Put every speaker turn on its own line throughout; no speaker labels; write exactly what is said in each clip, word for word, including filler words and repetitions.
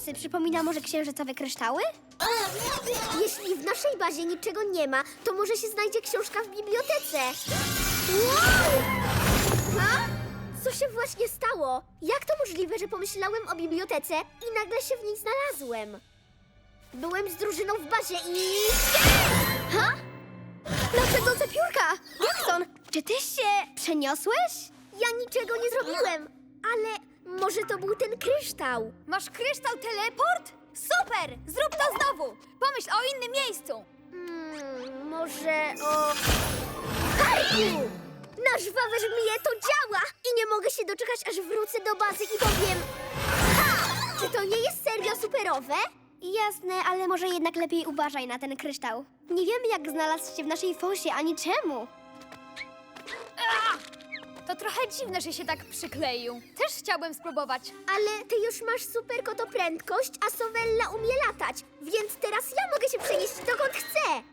włosy przypomina może księżycowe kryształy?
Jeśli w naszej bazie niczego nie ma, to może się znajdzie książka w bibliotece. Wow! Ha? Co się właśnie stało? Jak to możliwe, że pomyślałem o bibliotece i nagle się w niej znalazłem? Byłem z drużyną w bazie i...
Ha? Nadchodzące piórka! Jackson, czy ty się przeniosłeś?
Ja niczego nie zrobiłem, ale może to był ten kryształ.
Masz kryształ teleport? Super! Zrób to znowu! Pomyśl o innym miejscu!
Hmm, może o... Harku! Na żwawe żmije to działa! I nie mogę się doczekać, aż wrócę do bazy i powiem... Ha! Czy to nie jest serio superowe?
Jasne, ale może jednak lepiej uważaj na ten kryształ. Nie wiemy, jak znalazł się w naszej fosie, ani czemu.
To trochę dziwne, że się tak przykleił. Też chciałbym spróbować.
Ale ty już masz super kotoprędkość, a Sowella umie latać, więc teraz ja mogę się przenieść dokąd chcę.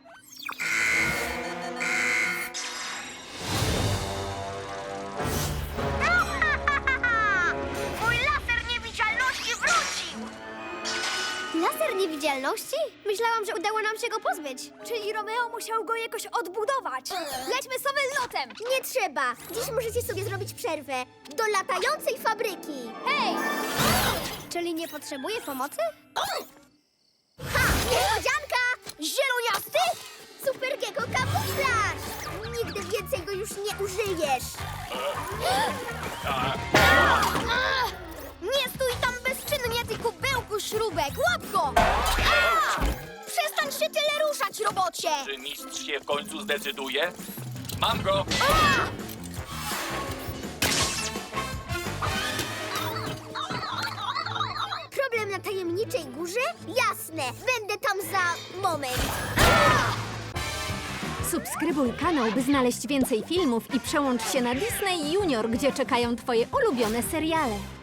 Mój laser niewidzialności wrócił!
Laser niewidzialności? Myślałam, że udało nam się go pozbyć.
Czyli Romeo musiał go jakoś odbudować. Lećmy Sowellotem!
Nie trzeba. Dziś możecie sobie zrobić przerwę do latającej fabryki.
Hej!
Czyli nie potrzebuje pomocy?
Ha! Niespodzianka! Zieloniasty? Supergiego kamuflaż! Nigdy więcej go już nie użyjesz.
Nie stój tam bezczynnie, ty kubełku śrubek! Łap go! Przestań się tyle ruszać, robocie!
Czy mistrz się w końcu zdecyduje? Mam go!
Problem na tajemniczej górze? Jasne, będę tam za moment.
Subskrybuj kanał, by znaleźć więcej filmów i przełącz się na Disney Junior, gdzie czekają twoje ulubione seriale.